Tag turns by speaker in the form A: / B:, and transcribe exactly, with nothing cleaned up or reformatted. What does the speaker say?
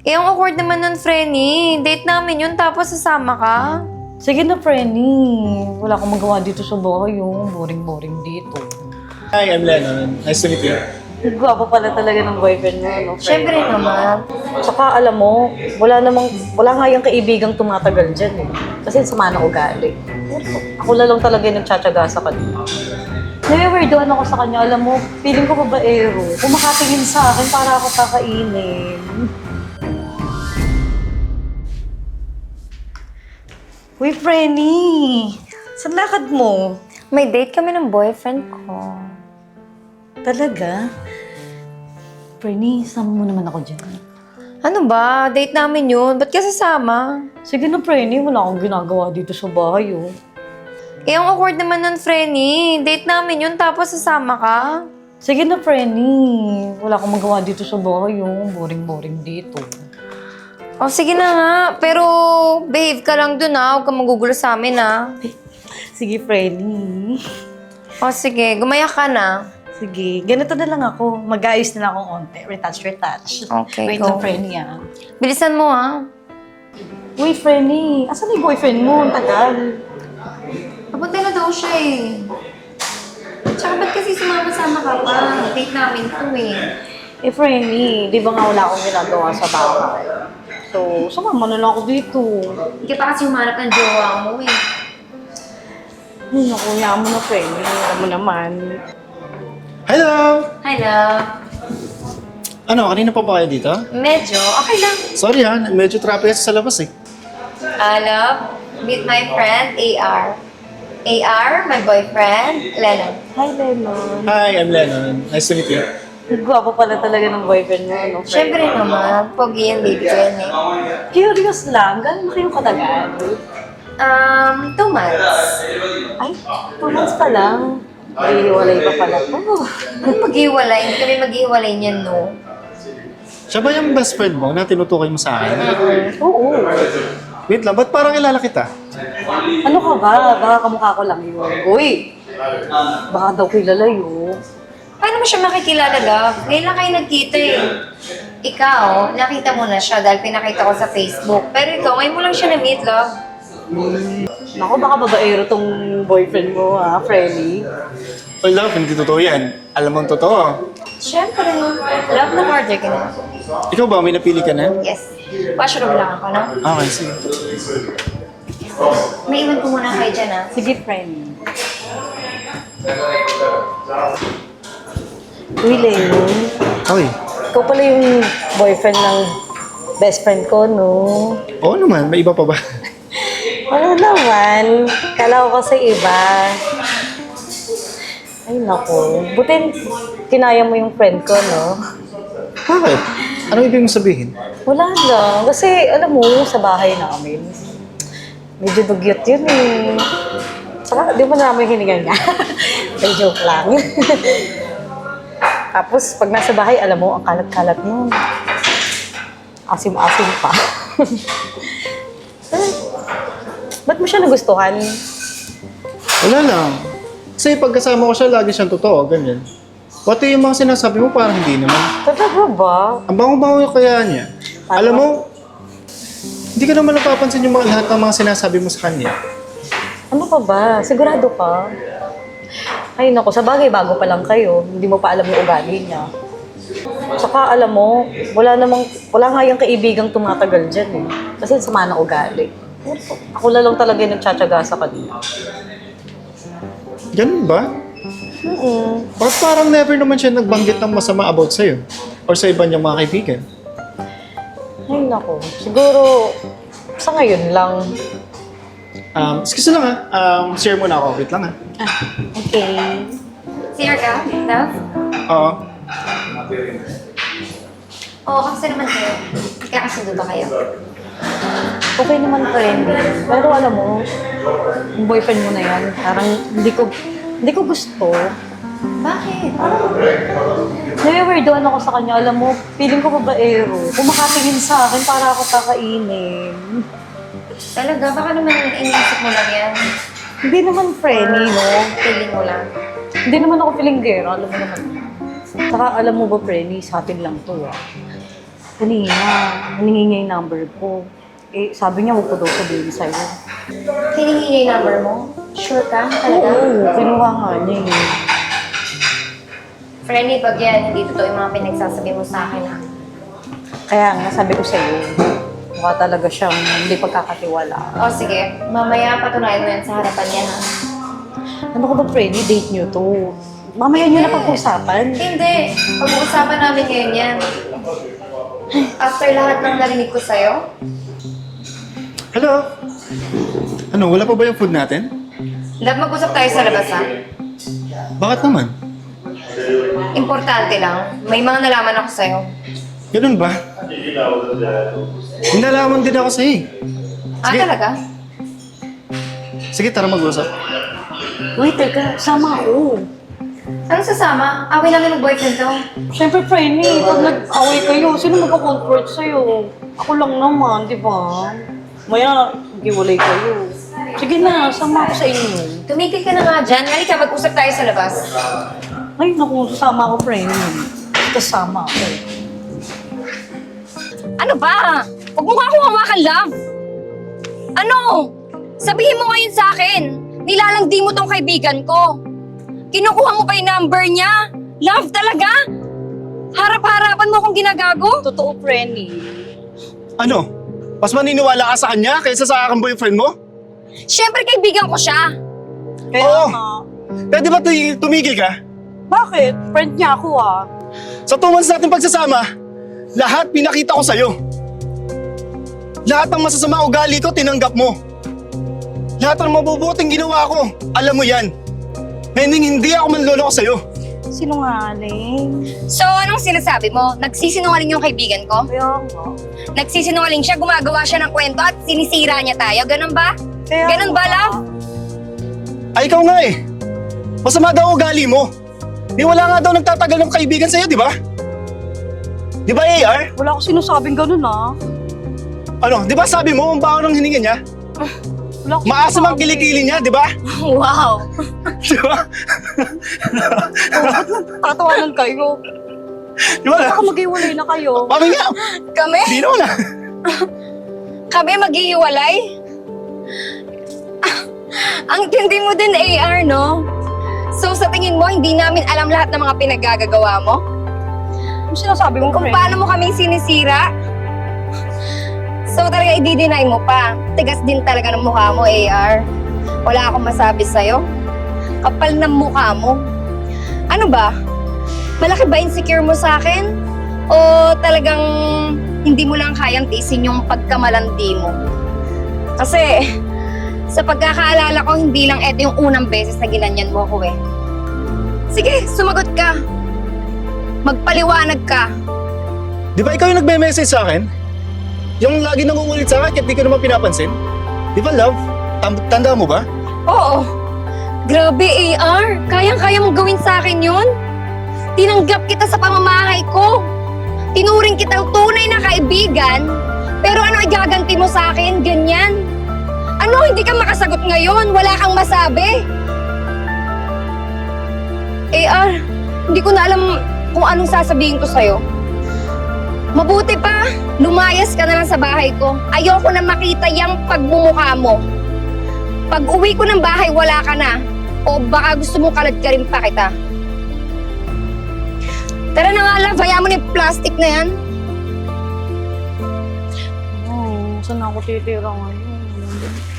A: Eh, ang awkward naman nun, Frenny. Date namin yun, tapos sasama ka.
B: Sige na, Frenny. Wala akong magawa dito sa bahay, yung boring-boring dito.
C: Hi, I'm Lennon. Nice to meet you.
B: Gwapo pala talaga ng boyfriend mo, no?
A: Siyempre naman.
B: Tsaka alam mo, wala namang, wala nga yung kaibigang tumatagal dyan eh. Kasi sama ng ugali. Ako na lang talaga yung nagtsatsaga sa kanya. Nawiwerdoan ako sa kanya, alam mo, feeling ko babaero. Kung makatingin sa akin, para ako kakainin. Uy, Frenny! Saan lakad mo?
A: May date kami ng boyfriend ko.
B: Talaga? Frenny, sama mo naman ako dyan.
A: Ano ba? Date namin yun. Ba't ka sasama?
B: Sige na, Frenny. Wala akong ginagawa dito sa bahay, oh.
A: Eh, ang awkward naman nun, Frenny. Date namin yun, tapos sasama ka.
B: Sige na, Frenny. Wala akong magawa dito sa bahay, oh. Boring-boring dito.
A: O, sige na nga. Pero, behave ka lang dun, ha? Huwag kang magugulo sa amin, ha?
B: Sige, Frenny.
A: O, sige. Gumaya ka na.
B: Sige, ganito na lang ako. Mag-ayos na lang akong onte. Retouch, retouch.
A: Okay,
B: Wait
A: go.
B: lang, Frenny, ah.
A: Bilisan mo, ha?
B: Uy, Frenny. Asan yung boyfriend mo? Ang tagal.
A: Papunta na daw siya, eh. Tsaka ba't kasi sumama-sama ka pa? Date namin to, eh.
B: Eh, Frenny, di ba nga wala akong ginagawa sa bahay? So, sumama na lang ako dito.
A: Hindi ka pa kasi humanap ng jowa mo, eh.
B: Ay, naku, yaman mo na, Frenny. Alam mo naman.
C: Hello!
A: Hi, love.
C: Ano, kanina pa ba kayo dito?
A: Medyo. Okay lang.
C: Sorry ha, medyo traffic kasi sa labas eh.
A: Ah, love, meet my friend, A R. A R, my boyfriend, Lennon.
B: Hi, Lennon.
C: Hi, I'm Lennon. Nice to meet you.
B: Gwapo pala talaga ng boyfriend mo, no?
A: Siyempre naman, pogi yan, baby ko yan, eh.
B: Curious lang, gano'n na kayong katagal?
A: Um, two months.
B: Ay, two months pa lang. Iiwalay pa pala to.
A: Kung maghiwalay, hindi kami maghiwalay niyan, no?
C: Siya ba yung best friend mo na tinutukoy mo sa akin?
B: Oo.
C: Wait lang, ba't parang kilala kita?
B: Ano ka ba? Baka kamukha ko lang yun. Uy! Baka daw kilala yun.
A: Paano mo siya makikilala, love? Ngayon lang kayo nagkita, eh. Ikaw, nakita mo na siya dahil pinakita ko sa Facebook. Pero ikaw, ngayon mo lang siya na-meet, love.
B: Naku, baka babaero tong boyfriend mo, ha, Freddy?
C: Oh, love, hindi totoo yan. Alam mo ang totoo.
A: Siyempre, love na order ka na.
C: Ikaw ba, may napili ka na?
A: Yes. Washroom lang ako, no?
C: Okay, sige.
A: May iwan ko muna kayo dyan, ha?
B: Sige, friend. Uy, Lennon.
C: Okay.
B: Ikaw pala yung boyfriend ng best friend ko, no?
C: Oo naman, may iba pa ba?
B: Ano naman? Kala ko kasi iba. Ay, naku. Buti kinaya mo yung friend ko, no?
C: Bakit? Ano ibig mong sabihin?
B: Wala lang. Kasi, alam mo, sa bahay namin, medyo dugyot yun eh. Saka, di mo namin hininga niya. May joke lang. Tapos, pag nasa bahay, alam mo, ang kalat-kalat nun. Asim-asim pa. Ba't mo siya nagustuhan?
C: Wala lang. Kasi pagkasama ko siya, lagi siyang totoo, ganyan. Pati yung mga sinasabi mo, parang hindi naman.
B: Talaga ba?
C: Ang bango-bango yung kaya niya.
B: Ano?
C: Alam mo, hindi ka naman napapansin yung mga, lahat ng mga sinasabi mo sa kanya.
B: Ano pa ba? Sigurado ka? Ay, naku, sa bagay, bago pa lang kayo. Hindi mo pa alam yung ugali niya. Tsaka, alam mo, wala namang, wala nga yung kaibigang tumatagal dyan eh. Kasi sama ng ugali. Ako na lang talaga yung nagtsatsaga sa kanya.
C: Ganun ba?
B: Mm-mm.
C: Bakit parang never naman siya nagbanggit ng masama about sa'yo? Or sa iba niyang mga kaibigan?
B: Ay, naku. Siguro, sa ngayon lang.
C: Um, excuse lang ha. Um, share muna ako. Wait lang ha.
B: Ah, okay.
A: Sir ka, love?
C: Oo.
A: Oo, kamusta naman kayo? Kakasundo ba kayo?
B: Okay naman, friend. Pero alam mo, yung boyfriend mo na yan, parang hindi ko, hindi ko gusto.
A: Bakit?
B: Nawiwerdoan ako sa kanya. Alam mo, feeling ko babaero. Kung makatingin sa akin, para ako kakainin.
A: Talaga, baka naman iniisip mo lang yan.
B: Hindi naman friendly, no?
A: Feeling mo lang.
B: Hindi naman ako feelinggero, alam mo naman. Saka alam mo ba, friendly, sa atin lang to, ah. Kanina, hiningi niya yung number ko. Eh, sabi niya, huwag ko daw sabihin sa'yo.
A: Hiningi niya yung number mo? Sure ka? Talaga?
B: Oo, kinuha nga niya eh.
A: Friendly, pag yan, hindi totoo yung mga pinagsasabi mo sa akin, ha?
B: Kaya nga, sabi ko sa'yo, mukha talaga siyang hindi pagkakatiwala.
A: O, sige. Mamaya patunayan mo yan sa harapan niya, ha?
B: Ano ko ba, Freddy? Date niyo to. Mamaya niyo na pag-usapan.
A: Hindi. Pag-uusapan namin ngayon yan. After lahat ng narinig ko sa'yo,
C: Hello? Ano, wala pa ba yung food natin?
A: love, mag-usap tayo sa labas, ha?
C: Bakit naman?
A: Importante lang. May mga nalaman ako sa'yo.
C: Ganun ba? Hinalaman din ako sa'yo. eh.
A: Ah,
C: Sige.
A: talaga?
C: Sige, tara mag-usap.
B: Wait, teka, sama ako.
A: Ano sasama? Away namin ng boyfriend ko.
B: Siyempre, Freddy, pag nag-away kayo, sino magka-comfort sa'yo? Ako lang naman, di ba? Maya, giwalay kayo. Sige na, sama ako sa inyo.
A: Tumigil ka na nga dyan. Halika, mag-usap tayo sa labas.
B: Ay, naku, sasama ako, Freddy. Kasama ako.
A: Ano ba? Huwag mo nga akong hawakan, love. Ano? Sabihin mo ngayon sa akin. Nilalandi mo tong kaibigan ko. Kinukuha mo pa yung number niya. Love talaga? Harap-harapan mo akong ginagago?
B: Totoo, Freddy.
C: Ano? Mas maniniwala ka sa kanya kaysa sa aking boyfriend mo?
A: Siyempre, kaibigan ko siya.
B: Kaya
C: Oo.
B: nga.
C: Kaya di ba tu- tumigil ka?
B: Bakit? Friend niya ako ah.
C: Sa two months natin pagsasama, lahat pinakita ko sa'yo. Lahat ng masasama ugali ko, tinanggap mo. Lahat ng mabubuting ginawa ko, alam mo yan. Meaning hindi ako manloloko sa'yo.
B: Sinungaling.
A: So, anong sinasabi mo? Nagsisinungaling yung kaibigan ko?
B: Kaya nga.
A: Nagsisinungaling siya, gumagawa siya ng kwento at sinisira niya tayo. Ganun ba?
B: Kaya
A: Ganun ba,
B: nga.
A: love?
C: Ay, ikaw nga eh. Masama daw ugali mo. Di wala nga daw nagtatagal ng kaibigan sa'yo, di ba? Di ba, A R?
B: Wala ko sinasabing ganun ah.
C: Ano, di ba sabi mo, ang baho ng hininga niya?
B: Wala ko
C: Maasam ang
B: sinasabi.
C: kilikili niya, di ba?
A: Wow!
C: Di ba?
B: Tatawanan kayo.
C: Di ba?
B: Baka mag-iwalay na kayo.
C: Mami nga,
A: Kami?
C: di naman ah.
A: Kami maghihiwalay? Ah, ang tindi mo din, A R, no? So, sa tingin mo, hindi namin alam lahat ng mga pinagagagawa mo?
B: Ano sinasabi mo,
A: Kung
B: friend?
A: paano mo kaming sinisira? So, talaga i-deny mo pa. Tigas din talaga ng mukha mo, A R. Wala akong masabi sa'yo. Kapal ng mukha mo. Ano ba? Malaki ba insecure mo sa akin? O talagang hindi mo lang kayang tiisin yung pagkamalandi mo? Kasi, sa pagkakaalala ko, hindi lang eto yung unang beses na ginanyan mo ako eh. Sige, sumagot ka. Magpaliwanag ka.
C: Di ba ikaw yung nagme-message sa akin? Yung lagi nangungulit sa akin, kahit di ko naman pinapansin? Di ba, love? Tam- tanda mo ba?
A: Oo. Grabe, A R. Kayang-kaya mong gawin sa akin yun? Tinanggap kita sa pamamahay ko. Tinuring kitang tunay na kaibigan. Pero ano igaganti mo sa akin? Ganyan. Ano, hindi ka makasagot ngayon? Wala kang masabi? A R, hindi ko na alam kung anong sasabihin ko sa'yo. Mabuti pa, lumayas ka na lang sa bahay ko. Ayoko na makita yung pagmumukha mo. Pag uwi ko ng bahay, wala ka na. O baka gusto mo kalad ka rin pa kita. Tara na nga, love. Hayaan mo na yung plastic na yan.
B: Oh, saan ako titira ngayon?